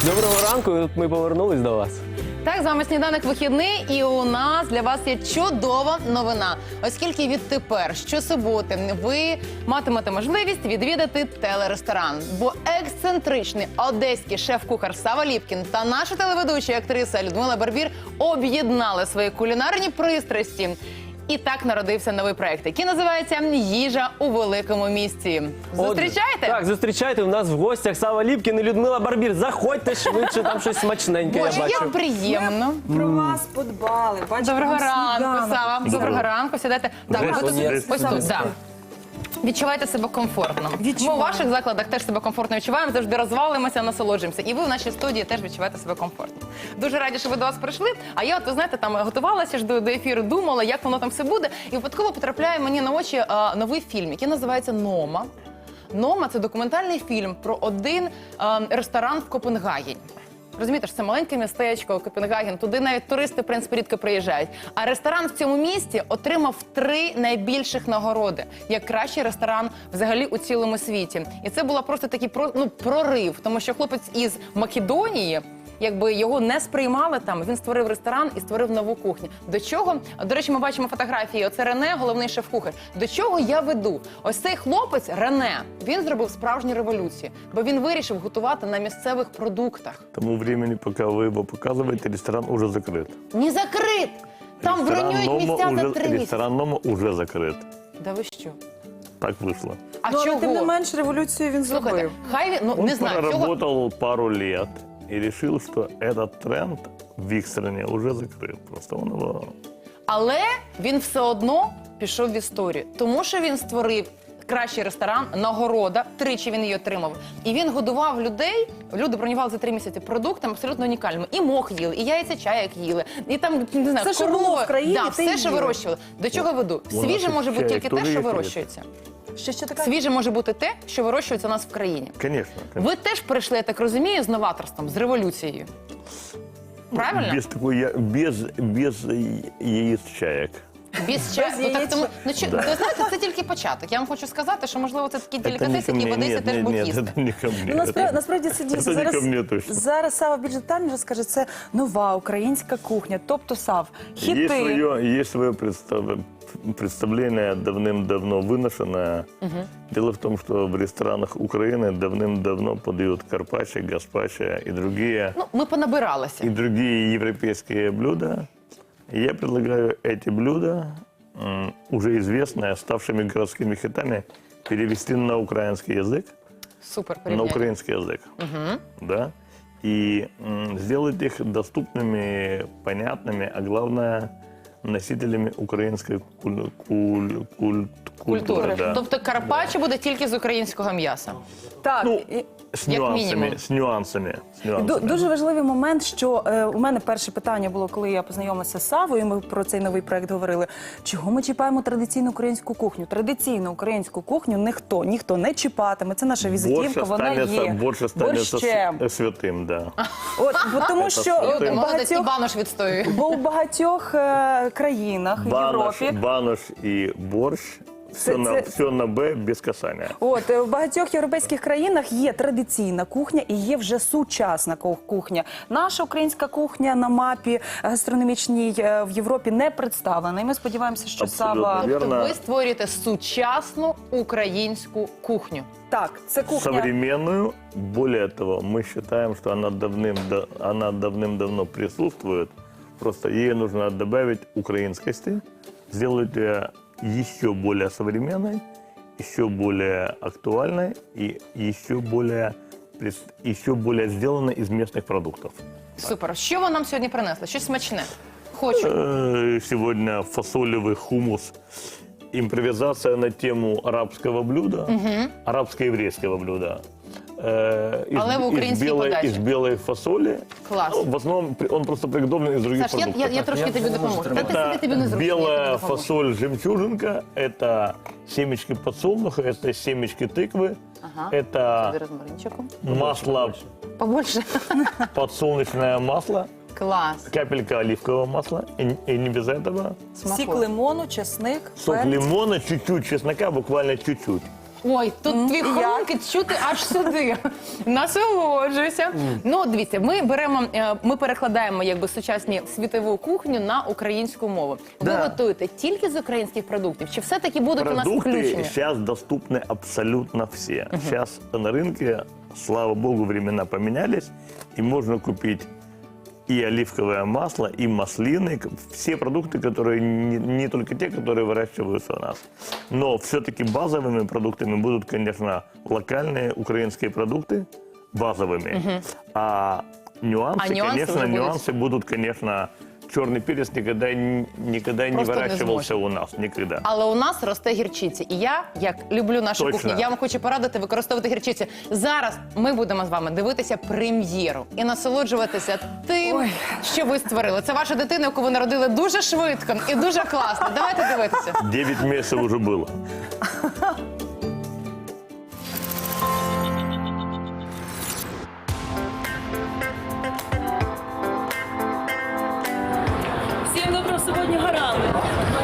Доброго ранку, ми повернулись до вас. Так, з вами «Сніданок вихідний», і у нас для вас є чудова новина. Оскільки відтепер, щосуботи, ви матимете можливість відвідати телересторан. Бо ексцентричний одеський шеф-кухар Сава Ліпкін та наша телеведуча актриса Людмила Барбір об'єднали свої кулінарні пристрасті. І так народився новий проект, який називається «Їжа у великому місті». Зустрічайте? Так, зустрічайте. У нас в гостях Сава Ліпкін і Людмила Барбір. Заходьте швидше, там щось смачненьке, я Боже, бачу. як приємно. Про вас подбали. Бачите, Доброго вам ранку, сніданок. Сава. Доброго ранку. Сідайте. Так, ви тут, ось тут, так. Відчувайте себе комфортно. Ми у ваших закладах теж себе комфортно відчуваємо, завжди розвалимося, насолоджуємося. І ви в нашій студії теж відчуваєте себе комфортно. Дуже раді, що ви до вас прийшли. А я, от, ви знаєте, там готувалася ж до ефіру, думала, як воно там все буде. І випадково потрапляє мені на очі новий фільм, який називається «Нома». «Нома» – це документальний фільм про один ресторан в Копенгагені. Розумієте, що це маленьке містечко, Копенгаген, туди навіть туристи, в принципі, рідко приїжджають. А ресторан в цьому місті отримав 3 найбільших нагороди, як кращий ресторан взагалі у цілому світі. І це була просто такий прорив, тому що хлопець із Македонії, якби його не сприймали там, він створив ресторан і створив нову кухню. До чого, до речі, ми бачимо фотографії, оце Рене, головний шеф-кухар. До чого я веду? Ось цей хлопець, Рене, він зробив справжню революцію, бо він вирішив готувати на місцевих продуктах. К тому времени, пока вы его показываете, ресторан уже закрыт. Не закрит! Там бронюють місця за 3 місяці. Ресторан «Нома» уже закрыт. Да ви що? Так вышло. А Ну, але тим не чого? менш революцію він Слухайте, зробив. хай він, ну Он не знаю, чого. проработал пару лет и решил, что этот тренд в их стране уже закрыт. Просто он его... Але він все одно пішов в історію, тому що він створив кращий ресторан, нагорода, 3 він її отримав. І він годував людей, люди бронювали за 3 місяці продуктами абсолютно унікальними. І мох їли, і яйця чаяк їли, і там, не знаю, Все, що було в країні, да, те все, що їли. вирощували. До чого веду? У нас Свіже може бути чаяк тільки те, теж що є, вирощується. Що таке? Свіже може бути те, що вирощується у нас в країні. Конечно. Ви теж прийшли, я так розумію, з новаторством, з революцією. Правильно? Без яиц чаек. Без чаю. Без Ну, так, тому, яєчок. ви знаєте, це тільки початок. Я вам хочу сказати, що, можливо, це такі Это не делікатеси, ко які мне, в Одесі теж будуть нет, їсти. это не ко мне. Ну, насправді це дійсно. Це не ко мені точно. Зараз Сава більш детально розкаже, це нова українська кухня. Тобто, Сав, хіти. Есть свое представление давным-давно выношенное. Дело в том, что в ресторанах Украины давным-давно подают карпаччо, гаспачо и Ну, ми понабиралися. другие европейские блюда. И я предлагаю эти блюда, уже известные, ставшими городскими хитами, перевести на украинский язык, Супер на порівняння. украинский язык, да, и сделать их доступными, понятными, а главное, носителями украинской культуры. Да. Тобто карпаччо буде тільки з українського м'яса. Так, Ну, і- С Як нюансами, мінімум. с нюансами. Дуже важливий момент, що у мене перше питання було, коли я познайомилася з Савою, ми про цей новий проект говорили. Чого ми чіпаємо традиційну українську кухню? Традиційну українську кухню ніхто не чіпатиме. Це наша візитівка, вона є. Больше станется борщем. святым, да. От, бо тому Це що святим. у Молодець, і багатьох, банош відстоює. бо у багатьох країнах в Європі. Банош и борщ, все на Б без касания. От в багатьох європейських країнах є традиційна кухня і є вже сучасна кухня. Наша українська кухня на мапі гастрономічній в Європі не представлена. І ми сподіваємося, що Абсолютно Сава вірно. Тобто ви створюєте сучасну українську кухню. так, це кухня. Современную. Более того, мы считаем, что она давным-давно присутствует. Просто ей нужно добавить украинскости, сделать ее еще более современной, еще более актуальной и еще более сделанной из местных продуктов. Супер. Що ви нам сьогодні принесли? Щось смачне. Хочу. Сегодня фасолевый хумус. Импровизация на тему арабского блюда, арабско-еврейского блюда. Але в українській подачі. Из белой фасоли. Клас. Ну, в основном он просто приготовлен из других Саш, продуктов. я трошки тобі допоможу. Та ти сиди, тобі не зручно. я белая тобі допоможу. фасоль жемчужинка, это семечки подсолнуха, это семечки тыквы, Ага. это Тобі розмаринчику. масло, Побольше. подсолнечное масло, Клас. капелька оливкового масла, и не без этого. Сік Смакує. лимону, чесник, Сок перець. лимона, чуть-чуть чеснока, буквально чуть-чуть. Ой, тут твій хрункіт чути аж сюди. Насолоджуйся. Ну, дивіться, ми перекладаємо якби сучасні світову кухню на українську мову. Ви Да. готуєте тільки з українських продуктів? Чи все-таки будуть у нас Продукты включені? сейчас доступны абсолютно все. Сейчас на рынке, слава богу, времена поменялись, и можно купить и оливковое масло, и маслины, все продукты, которые не только те, которые выращиваются у нас. Но все-таки базовыми продуктами будут, конечно, локальные украинские продукты, базовыми. А нюансы, нюансы конечно, уже будут? нюансы будут, конечно, черный перец никогда не Просто не выращивался у нас, никогда. Але у нас росте гірчиця. І я, як люблю нашу Точно. кухню, я вам хочу порадити використовувати гірчицю. Зараз ми будемо з вами дивитися прем'єру і насолоджуватися тим, що ви створили. Це ваша дитина, яку ви народили дуже швидко і дуже класно. Давайте дивитися. 9 месяцев уже было. Всім доброго суботнього ранку.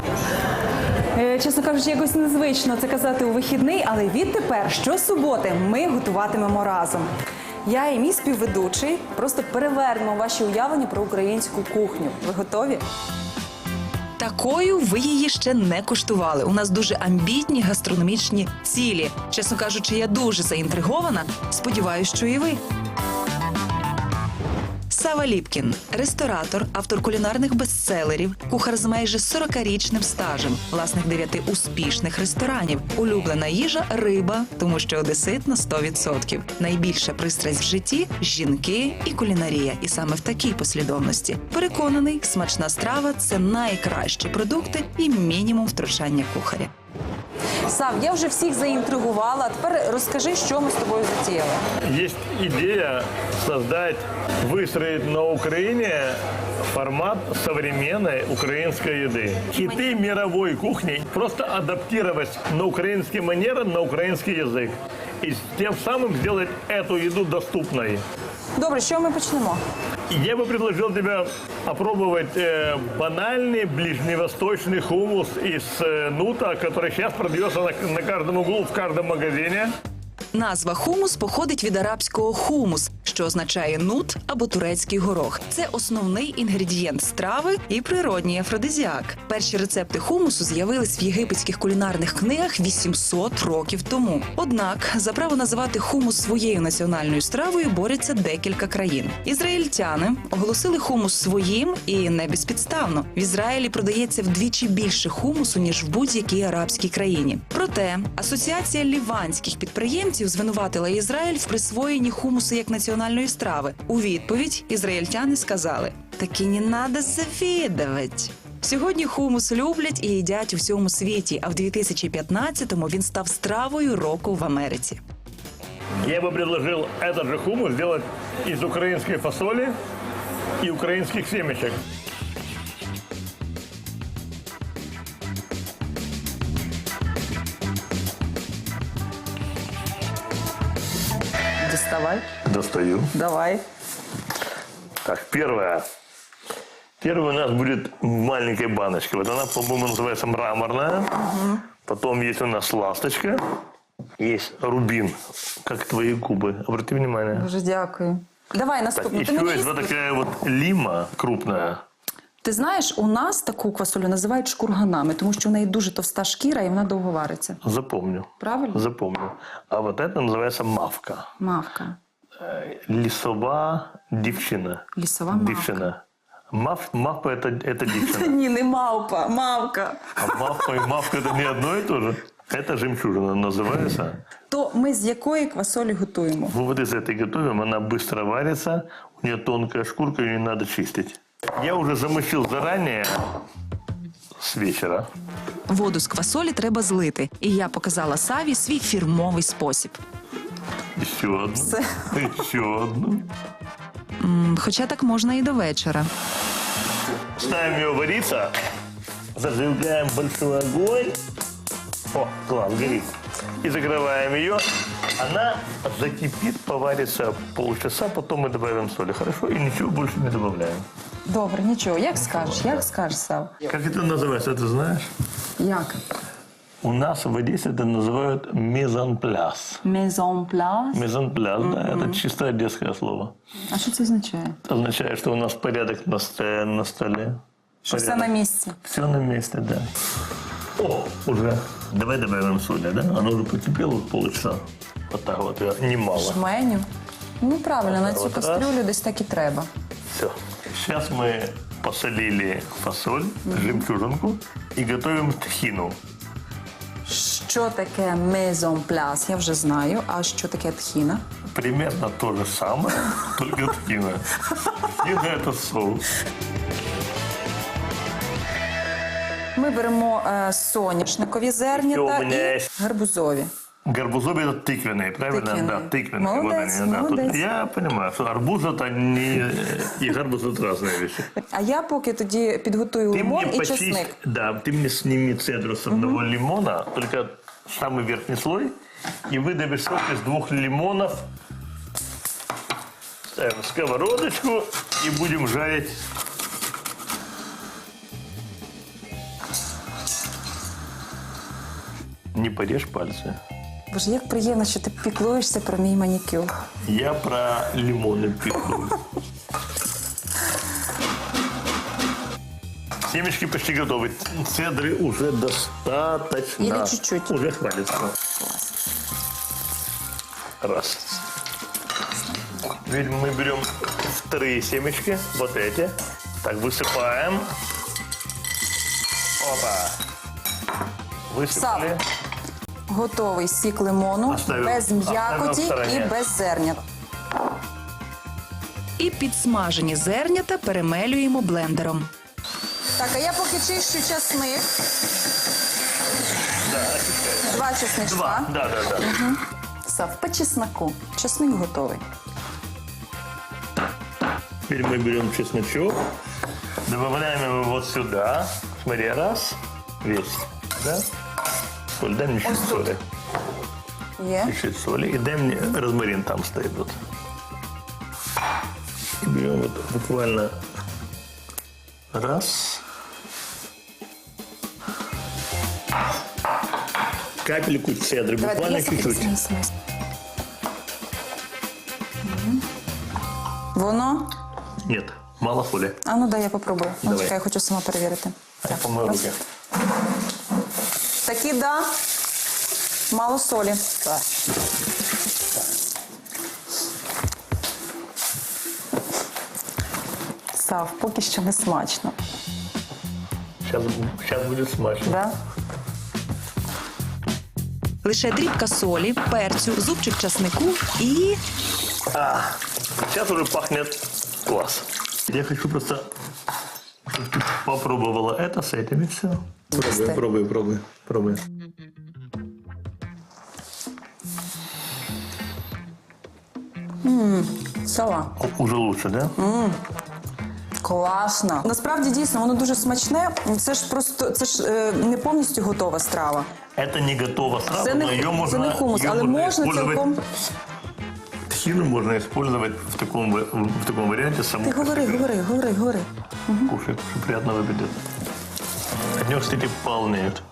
Чесно кажучи, якось незвично це казати у вихідний, але відтепер щосуботи ми готуватимемо разом. Я і мій співведучий просто перевернемо ваші уявлення про українську кухню. Ви готові? Такою ви її ще не куштували. У нас дуже амбітні гастрономічні цілі. Чесно кажучи, я дуже заінтригована. Сподіваюсь, що і ви. Сава Ліпкін – ресторатор, автор кулінарних бестселерів, кухар з майже 40-річним стажем, власник 9 успішних ресторанів. Улюблена їжа – риба, тому що одесит на 100%. Найбільша пристрасть в житті – жінки і кулінарія. І саме в такій послідовності. Переконаний, смачна страва – це найкращі продукти і мінімум втручання кухаря. Сав, я вже всіх заінтригувала. А тепер розкажи, що ми з тобою затіяли. Есть идея создать, выстроить на Украине формат современной украинской еды. Хиты мировой кухни просто адаптировать на украинский манеры, на украинский язык. И тем самым сделать эту еду доступной. Добре, що ми почнемо? Я бы предложил тебе опробовать банальный ближневосточный хумус из нута, который сейчас продается на каждом углу, в каждом магазине. Назва хумус походить від арабського хумус, що означає нут або турецький горох. Це основний інгредієнт страви і природній афродизіак. Перші рецепти хумусу з'явились в єгипетських кулінарних книгах 800 років тому. Однак за право називати хумус своєю національною стравою борються декілька країн. Ізраїльтяни оголосили хумус своїм і не безпідставно. В Ізраїлі продається вдвічі більше хумусу, ніж в будь-якій арабській країні. Проте Асоціація ліванських підприємців звинуватила Ізраїль в присвоєнні хумусу як національної страви. У відповідь ізраїльтяни сказали: «Таки не надо завідувати». Сьогодні хумус люблять і їдять у всьому світі, а в 2015-му він став стравою року в Америці. Я бы предложил этот же хумус сделать из украинской фасоли и украинских семечек. Діставай. Достаю. Давай. Так, первое. Первое у нас будет в маленькой баночке. Вот она, по-моему, называется мраморная. Потом есть у нас ласточка. Есть рубин, как твои губы. Обрати внимание. Дуже дякую. Давай Так, наступну. еще есть вот такая вот лима крупная. Ти знаєш, у нас таку квасолю називають шкурганами, тому що в неї дуже товста шкіра і вона довго вариться. Запомню. Правильно? Запомню. А вот это называется мавка. Мавка. Лісова дівчина. Лісова мавка. Дівчина. Мавпа это дівчина. Ні, не мавпа, мавка. А мавпа и мавка это не одно и то же. Это жемчужина называется. То ми з якої квасолі готуємо? Мы вот из этой готовим, она быстро варится, у нее тонкая шкурка, ее не надо чистить. Я уже замочил заранее с вечера. Воду з квасолі треба злити, і я показала Саві свій фірмовий спосіб. Еще одну. Еще одну. Хоча так можна і до вечора. Ставим ее вариться, зажигаем большой огонь. О, класс, горит. И закрываем ее. Она закипит, поварится полчаса, потом мы добавим соли. Хорошо? И ничего больше не добавляем. Добре, нічого. Як скажеш, Сав? Как это называется, ты знаешь? Як? У нас в Одессе это называют мезонпляс. Мезонпляс. Мезонпляс, да, это чисто одесское слово. А що це означає? Означает, что у нас порядок на столе. Що все на місці. Все на месте, да. О, уже. Давай добавим соли, да? Оно уже покипело полчаса. Вот так вот, немало. Жменю. Ну правильно, на цю Вот раз. кастрюлю десь так і треба. Все. Сейчас мы посолили фасоль, жемчужинку и готовим тхину. Що таке мезонпляс? Я вже знаю. А що таке тхіна? Примерно то же самое, только тхина. Тхина – это соус. Ми беремо соняшникові зернята Що у мене є? і гарбузові. Гарбузовый это тыквенный, правильно? Тыквенный. Да, тыквенный. Молодец, Вот они, да. Тут молодец. я понимаю, что арбуз это не... И гарбуз это разные вещи. А я поки тоді підготую лимон і почисть, чесник. да, ты мне сними цедру с одного лимона, только самый верхний слой, и выдавишь сок из 2 лимонов. Ставим сковородочку и будем жарить. Не порежь пальцы. Боже, як приємно, що ти піклуєшся про мій манікюр. Я про лимоны пеклю. Семечки почти готовы. Цедры уже достаточно. Или чуть-чуть? Уже хватит. Раз. Теперь мы берем вторые семечки, вот эти. Так, высыпаем. Опа. Высыпали. Готовий сік лимону, Оставимо- без оставимо м'якоті в стороні. і без зернят. І підсмажені зернята перемелюємо блендером. Так, а я поки чищу часник. Да, очищаем. 2 чесничка. Два. Да. Сав, по чесноку. Чесник готовий. Теперь мы берем чесночок, добавляем его вот сюда. Смотри, раз, весь, да? Соль, дай мне чуть соли. Є. Чуть соли. И дай мне розмарин там стоит вот. И берем вот буквально раз. Капельку цедры, буквально чуть-чуть. Воно? Нет, мало соли. А ну дай я попробую. Ну, Давай. чекай, я хочу сама перевірити. Я помою раз. руки. Такі, да. Мало солі. Так. Сав, поки що не смачно. Сейчас будет смачно. Да? Лише дрібка солі, перцю, зубчик часнику і Сейчас уже пахнет класс. Я хочу просто, чтобы ты попробовала это с этими все. Пробуй. Сова. Уже лучше, да? Класно. Насправді дійсно воно дуже смачне. Це ж просто не повністю готова страва. Это не готова страва, Це не, но ее можно, це не хумус, ее але можно можна использовать. цілком. Тхину можно использовать в таком варианте саму. Ти говори. Кушай, приятно выглядит. От него, кстати, полнеют.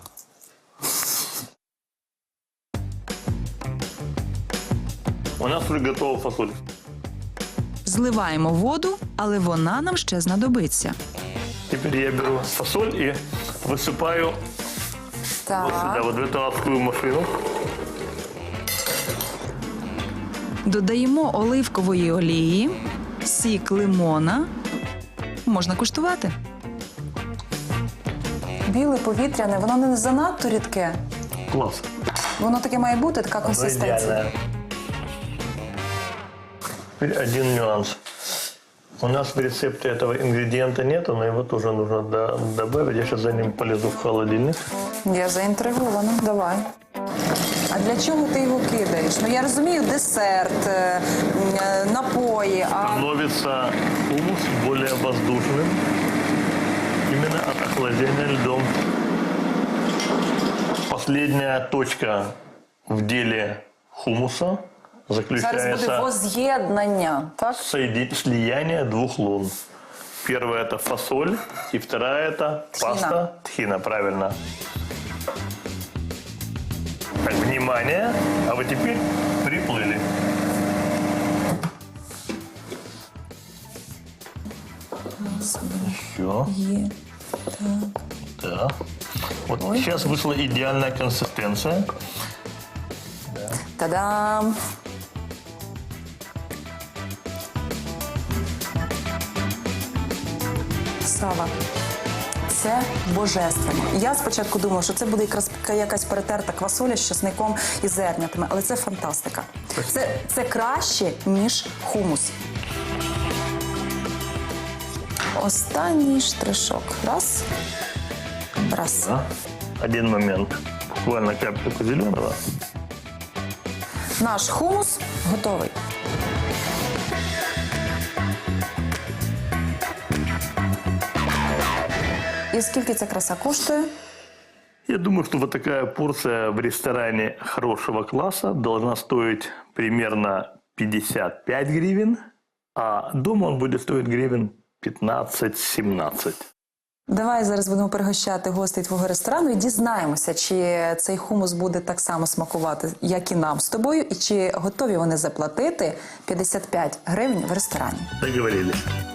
У нас уже готова фасоль. зливаємо воду, але вона нам ще знадобиться. Теперь я беру фасоль и высыпаю вот сюда, Так. вот в эту адскую машину. Додаємо оливкової олії, сік лимона. Можна куштувати. Біле повітряне, воно не занадто рідке. Класс. Воно таке має бути, така консистенція. Идеально. Теперь один нюанс. У нас в рецепте этого ингредиента нету, но его тоже нужно добавить. Я сейчас за ним полезу в холодильник. Я заінтригована, давай. А для чого ти його кидаєш? Ну я розумію, десерт, напої, а Становится хумус более воздушным. Именно от охлаждения льдом. Последняя точка в деле хумуса зараз буде заключается воз'єднання, так? слияние 2 лун. Первая это фасоль, и вторая это Тхина. паста тхина, правильно. Так, внимание. А вот теперь приплыли. Еще. Да. Вот сейчас вышла идеальная консистенция. Та-дам! Сава. Це божественно. Я спочатку думала, що це буде якраз якась перетерта квасоля з чесником і зернятами, але це фантастика. Це краще, ніж хумус. Останній штришок. Раз. Раз. Да. Один момент. Буквально капельку зеленого. Наш хумус готовий. І скільки ця краса коштує? Я думаю, что вот такая порция в ресторане хорошего класса должна стоить примерно 55 гривен, а дома он будет стоить гривен 15-17. Давай зараз будемо пригощати гостей твого ресторану і дізнаємося, чи цей хумус буде так само смакувати, як і нам з тобою, і чи готові вони заплатити 55 гривень в ресторані. Договорились.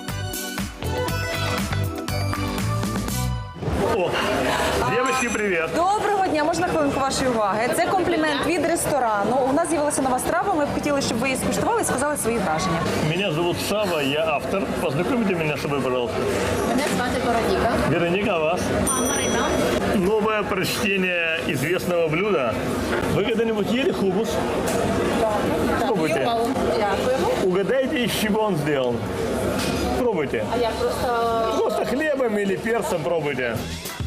О, девочки, привет! Доброго дня, можна хвилинку вашої уваги? Це комплімент від ресторану. У нас з'явилася нова страва, ми б хотіли, щоб ви її скуштували і сказали свої враження. Меня зовут Сава, я автор. Познакомьте меня с собой, пожалуйста. Мене звати Вероніка. Вероника, а вас? Марина. Новое прочтение известного блюда. Вы когда-нибудь ели хумус? Пробуйте. Дякуємо. Угадайте, из чего он сделан. Пробуйте. А я просто Просто хлебом или перцем пробуйте.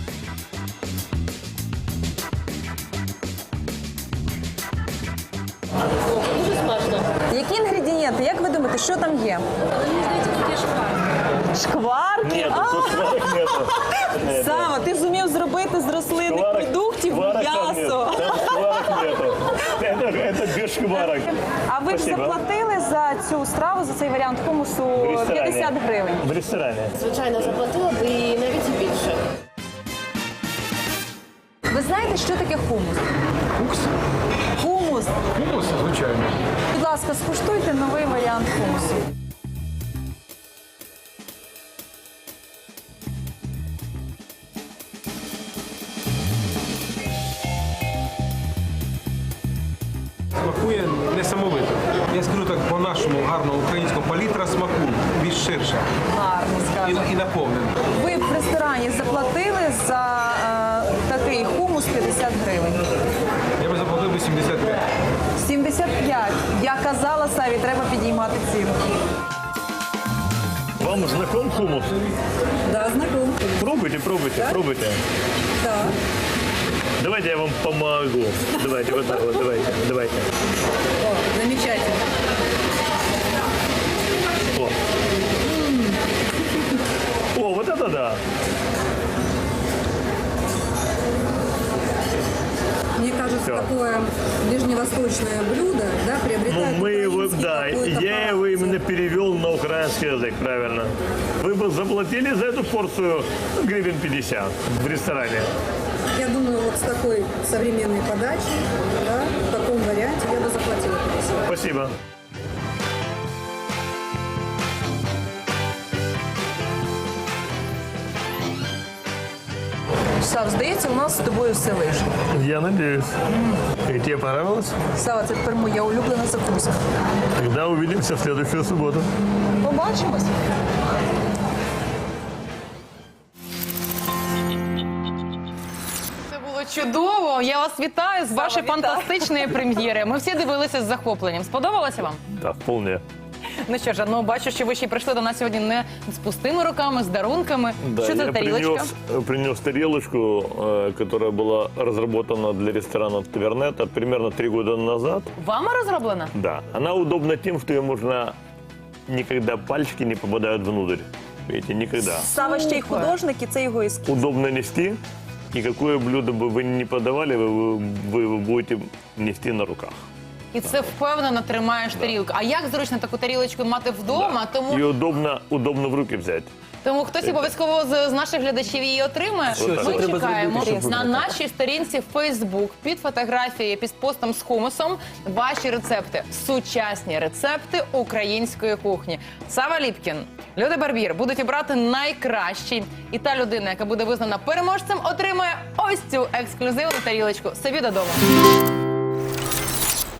дуже смачно. Які інгредієнти? Як ви думаєте, що там є? Мені здається, тут є шкварки. Шкварки? Нет, тут сварок нету. Сава, ти зумів зробити з рослинних Шкварок- продуктів шкварок там нет. м'ясо. Там шкварок нету. Это без шкварок. А ви б Спасибо. заплатили за цю страву, за цей варіант хумусу В ресторане. 50 гривень? В ресторане. Звичайно, заплатила б і навіть і більше. Ви знаєте, що таке хумус? Хумус. Хумус, звичайно. Будь ласка, скуштуйте новий варіант хумусу. Смакує несамовито. Я скажу так по-нашому гарному українському, палітра смаку більш ширша Гарно сказано. і наповнена. Ви б в ресторані заплатили за такий хумус 50 гривень. Я би заплатив би 75. 75. Я казала Саві, треба підіймати ціну. Вам знаком хумус? Да, знаком. Пробуйте, пробуйте, пробуйте. Так. Давайте я вам помогу. Давайте, вот так вот, давайте. Замечательно. О, вот это да. Мне кажется, Всё. такое ближневосточное блюдо, да, Ну, приобретает мы его, украинский да, какой-то я его пафос. именно перевел на украинский язык, правильно. Вы бы заплатили за эту порцию гривен 50 в ресторане. Я думаю, вот с такой современной подачей, да, в таком варианте я бы заплатила 50. Спасибо. Сав, здається, у нас з тобою все вийшло. Я надеюсь. И тебе понравилось? Сава, це тепер моя улюблена закуска. Тогда увидимся в следующую субботу. Побачимось. Це було чудово. Я вас вітаю з вашої фантастичної прем'єри. Ми всі дивилися з захопленням. Сподобалося вам? Да, вполне. Ну що ж, ну бачу, що ви ще й прийшли до нас сьогодні не з пустими руками, з дарунками. Да, Що це за я тарілочка? принес тарелочку, которая была разработана для ресторана Тавернета примерно 3 года назад. Вами розроблена? Да, она удобна тем, что ее можно никогда пальчики не попадают внутрь. Видите, никогда. Сава ще й художник, і це його ескіз. Удобно нести, и какое блюдо бы вы ни подавали, вы его будете нести на руках. і це впевнено тримаєш тарілку. А як зручно таку тарілочку мати вдома, И удобно в руки взять. тому хтось обов'язково з наших глядачів її отримає. Що Ми треба чекаємо зробити, щоб на вона нашій сторінці Facebook під фотографією, під постом з хумусом ваші рецепти, сучасні рецепти української кухні. Сава Ліпкін, Люда Барбір будуть обрати найкращий. І та людина, яка буде визнана переможцем, отримає ось цю ексклюзивну тарілочку собі додому.